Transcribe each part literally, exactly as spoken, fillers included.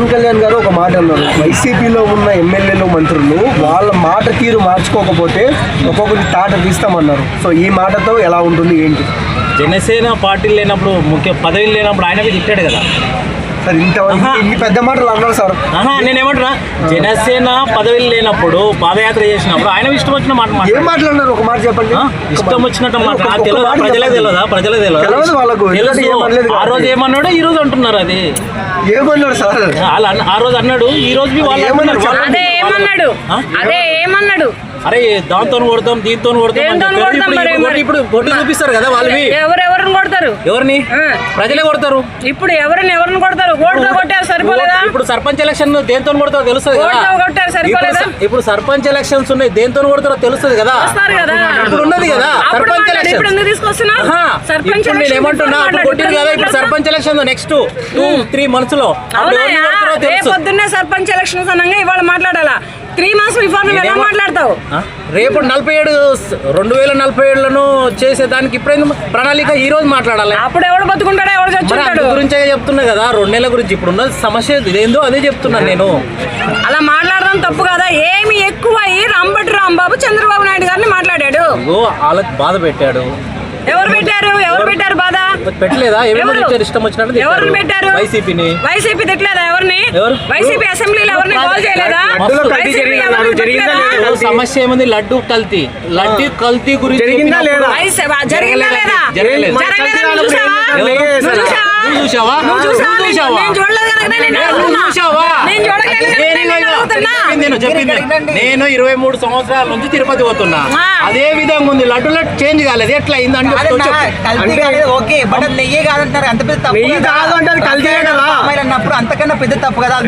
పవన్ కళ్యాణ్ గారు ఒక మాట అన్నారు, వైసీపీలో ఉన్న ఎమ్మెల్యేలు మంత్రులు వాళ్ళ మాట తీరు మార్చుకోకపోతే ఒక్కొక్కటి తాట తీస్తామన్నారు. సో ఈ మాటతో ఎలా ఉంటుంది ఏంటి? జనసేన పార్టీలు లేనప్పుడు ముఖ్య పదవిలు లేనప్పుడు ఆయన తిట్టాడు కదా సార్. ఇంత ఇన్ని పెద్ద మాటలు అన్నారు సార్. నేనేమంటున్నా, జనసేన పదవిలు లేనప్పుడు పాదయాత్ర చేసినప్పుడు ఆయన ఇష్టం వచ్చిన మాట ఏం మాట్లాడినారు? ఒక మాట చెప్పండి. ఇష్టం వచ్చినట్టు మాట తెలియదా? ప్రజలకు తెలియదా? ప్రజలకు తెలియదు వాళ్ళకు. ఆ రోజు ఏమన్నాడు, ఈ రోజు అంటున్నారు. అది ఏమన్నాడు సార్? ఆ రోజు అన్నాడు, ఈ రోజు వాళ్ళు అదే ఏమన్నాడు, అరే దాంతో కొడతాం దీంతో కొడతాం. ఇప్పుడు కొట్టి చూపిస్తారు కదా వాళ్ళవి. ఎవరెవరిని కొడతారు? ఎవరిని? ప్రజలే కొడతారు. ఇప్పుడు ఎవరిని ఎవరిని కొడతారు? కొట్టారు సరిపోలేదా? ఇప్పుడు సర్పంచ్ ఎలక్షన్ దేంతో కొడతారో తెలుస్తుంది కదా. ఇప్పుడు సర్పంచ్ ఎలక్షన్స్ ఉన్నాయి, దేంతో కొడతారో తెలుస్తుంది కదా. ఇప్పుడు ఉన్నది కదా సర్పంచ్ ఎలక్షన్. ఇప్పుడు నేను ఏమంటున్నా, కొట్టింది కదా. ఇప్పుడు sarpanch election next two three months లో పొద్దున్నే సర్పంచ్ ఎలక్షన్స్ అనగా ఇవాళ మాట్లాడాలా? త్రీ మంత్స్ బిఫోర్ నువ్వు ఎలా మాట్లాడతావు? రేపు నలభై ఏడు రెండు వేల నలభై ఏడులను చేసేదానికి ఇప్పుడు ప్రణాళిక ఈ రోజు మాట్లాడాలి. అప్పుడు ఎవడు బతుకుంటాడో ఎవడు చచ్చుంటాడు గురించే చెప్తున్నా కదా. రెండు నెలల గురించి ఇప్పుడు ఉన్న సమస్య ఇదేందో అదే చెప్తున్నాను నేను. అలా మాట్లాడడం తప్పు కదా. ఏమి ఎక్కువ రంబటి రాంబాబు చంద్రబాబు నాయుడు గారిని మాట్లాడాడు. వాళ్ళకి బాధ పెట్టాడు. ఎవరు పెట్టారు? ఎవరు పెట్టారు బాధ? పెట్టలేదా? ఇష్టం వచ్చినట్టు ఎవరు పెట్టారు? వైసీపీని. వైసీపీ తిట్టలేదా ఎవరిని? వైసీపీ అసెంబ్లీలో ఎవరిని కాల్ చేయలేదా? సమస్య ఏముంది? లడ్డు కల్తీ. లడ్డు కల్తీ గురించి జరిగిందా లేదా? నేను ఇరవై మూడు సంవత్సరాల నుంచి తిరుపతి పోతున్నా. అదే విధంగా ఉంది. లడ్డులో చేంజ్ కాలేదు. ఎట్లా అయింది అంటే ఓకే, బట్ అది నెయ్యే కాదంటారు. అంత పెద్ద తప్పు అన్నప్పుడు అంతకన్నా పెద్ద తప్పు కదా.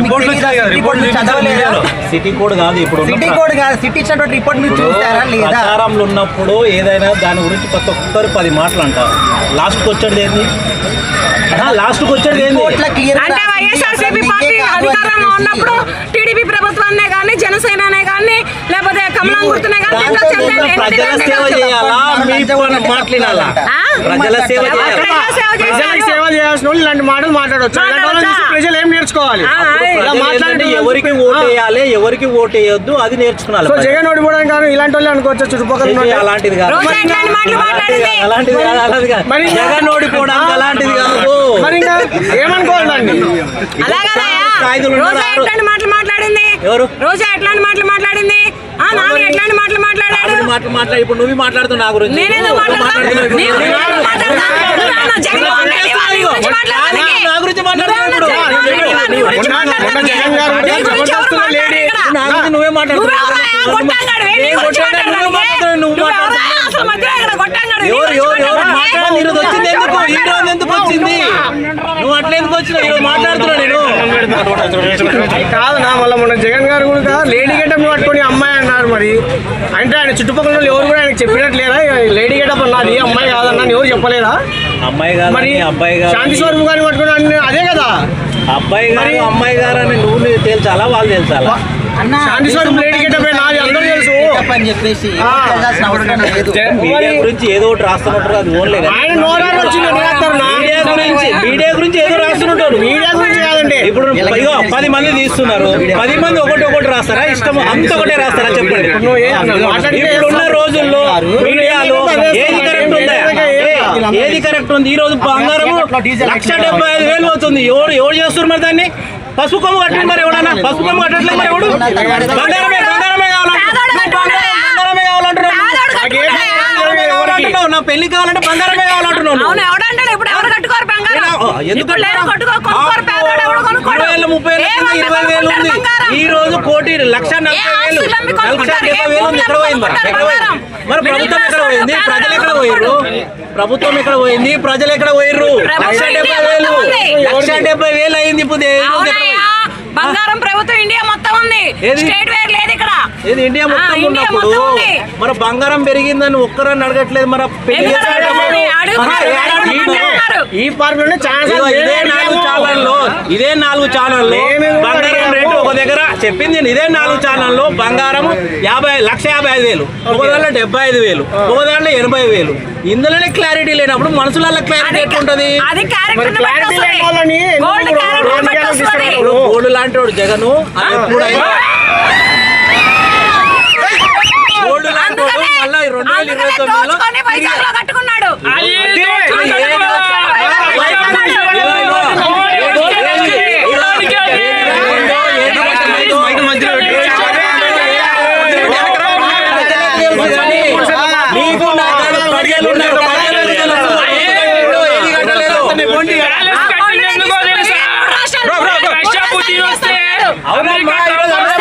సిటీ కోడ్ కాదు. ఇప్పుడు సిటీ కోడ్ కాదు. సిటీ ఇచ్చినటువంటి రిపోర్ట్ మీరు చూస్తారా లేదా? ప్రచారంలో ఉన్నప్పుడు ఏదైనా దాని గురించి ప్రతి ఒక్కరు పది మాటలు అంటారు. లాస్ట్ కి వచ్చేది ఏంది? లాస్ట్ కి వచ్చేది ఏంది? అంటే వైఎస్ఆర్సీపీ పార్టీ అధికారంలో ఉన్నప్పుడు టీడీపీ ప్రభుత్వాన్నే కానీ జనసేననే కానీ లేకపోతే కమలం గుర్తునే కానీ ప్రజల సేవ చేయాలా? మీ మాట్లాడాలా? ప్రజల సేవ ప్రజలకు సేవ చేయాల్సిన వాళ్ళు ఇలాంటి మాటలు మాట్లాడవచ్చు. ప్రజలు ఏం నేర్చుకోవాలి? ఎవరికి ఓటు వేయాలి, ఎవరికి ఓటు వేయొద్దు అది నేర్చుకోవాలి. జగన్ ఓడిపోవడానికి కానీ ఇలాంటి వాళ్ళు అనుకోవచ్చు చుట్టుపక్కల. అలాంటిది కాదు. అలాంటిది కాదు. అలాంటిది కాదు. జగన్ ఓడిపోవడానికి అలాంటిది కాదు. మరి ఇంకా ఏమనుకోవాలండి? మాటలు మాట్లాడింది ఎవరు? రోజా ఎట్లాంటి మాటలు మాట్లాడింది? ఎట్లాంటి మాటలు మాట్లాడాడు? మాటలు మాట్లాడి ఇప్పుడు నువ్వు మాట్లాడుతున్నా నా గురించి. నా గురించి మాట్లాడుతున్నావు. నువ్వే మాట్లాడుతున్నావు. ఈరోజు వచ్చింది ఎందుకు? ఈ రోజు ఎందుకు వచ్చింది? నువ్వు అట్లా ఎందుకు వచ్చినావు? ఈరోజు మాట్లాడుతున్నా నేను కాదు నా. మళ్ళీ మొన్న జగన్ గారు కూడా లేడీ గెటప్ పట్టుకొని అమ్మాయి అన్నారు. మరి అంటే ఆయన చుట్టుపక్కల ఎవరు కూడా ఆయనకు చెప్పినట్లేదా లేడీ గెటప్ అన్నది అమ్మాయి కాదన్నా? ఎవరు చెప్పలేదా? అమ్మాయి కాదు మరి అబ్బాయి గారు శాంతి స్వరూప్ గారిని పట్టుకుని అదే కదా. అబ్బాయి గారు అమ్మాయి గారు అని నువ్వు తేల్చాలా వాళ్ళు తేల్చాలా? శాంతి స్వరూప్ లేడీ గెటప్ నాది అందరూ తెలుసు అని చెప్పేసి మీడియా గురించి ఏదో ఒకటి రాస్తున్నట్టు అది ఓన్లే. మీడియా గురించి ఏదో రాస్తున్నట్టు. మీడియా గురించి కాదండి. ఇప్పుడు ఇగో పది మంది తీస్తున్నారు. పది మంది ఒకటి ఒకటి రాస్తారా? ఇష్టం అంత ఒకటే రాస్తారా? చెప్పండి. ఇప్పుడున్న రోజుల్లో మీడియాలో ఏది కరెక్ట్ ఉందా? ఏది కరెక్ట్ ఉంది? ఈ రోజు బంగారం లక్ష డెబ్బై ఐదు వేలు అవుతుంది. ఎవరు ఎవరు చేస్తున్నారు మరి దాన్ని? పసుపు కొమ్ము కట్టండి మరి ఎవడన్నా. పసుపు కొమ్ము కట్టట్లేదు మరి ఎవడు? బంగారమే బంగారమే కావాలంటున్నావు. నా పెళ్లి కావాలంటే బంగారమే కావాలంటున్నావు. ముప్పై వేలు ఇరవై వేలు ఉంది. ఈ రోజు కోటి లక్ష నలభై వేలు లక్ష డెబ్బై వేలు ఉంది. ఎక్కడ పోయింది మరి? ఎక్కడ పోయింది మరి? ప్రభుత్వం ఎక్కడ పోయింది? ప్రజలు ఎక్కడ పోయిర్రు? ప్రభుత్వం ఎక్కడ పోయింది? ప్రజలు ఎక్కడ పోయిర్రు? లక్ష డెబ్బై వేలు లక్ష డెబ్బై వేలు అయింది. ఇప్పుడు బంగారం ప్రభుత్వం ఇండియా మొత్తం ఉంది. స్టేట్ వేర్ లేదు ఇక్కడ. ఇది ఇండియా మొత్తం ఉన్నప్పుడు మరి బంగారం పెరిగిందని ఒక్కరని అడగట్లేదు. మరి ఈ పార్క్ ఇదే నాలుగు ఛానల్లో ఇదే నాలుగు ఛానల్లో బంగారం రేటు ఒక ఒక దగ్గర చెప్పింది నేను ఇదే నాలుగు ఛానల్లో బంగారం యాభై లక్ష యాభై ఐదు వేలు ఒక దాంట్లో డెబ్బై ఐదు వేలు ఒక దాంట్లో ఎనభై వేలు ఇందులోనే క్లారిటీ లేనప్పుడు మనుషులలో క్లారిటీ ఎట్లుంటది అది మరి క్లారిటీ లేని వాళ్ళని గోల్డ్ క్యారెక్టర్ రెండు బట్టి వస్తుంది. ఇప్పుడు గోల్డ్ లాంటి వాడు జగను అది ఎప్పుడైనా గోల్డ్ లాంటి వాడు మళ్ళీ రెండు వేల ఇరవై తొమ్మిదిలో దోచుకొని వైజాగ్లో కట్టుకున్నాడు. అది దోచుకొని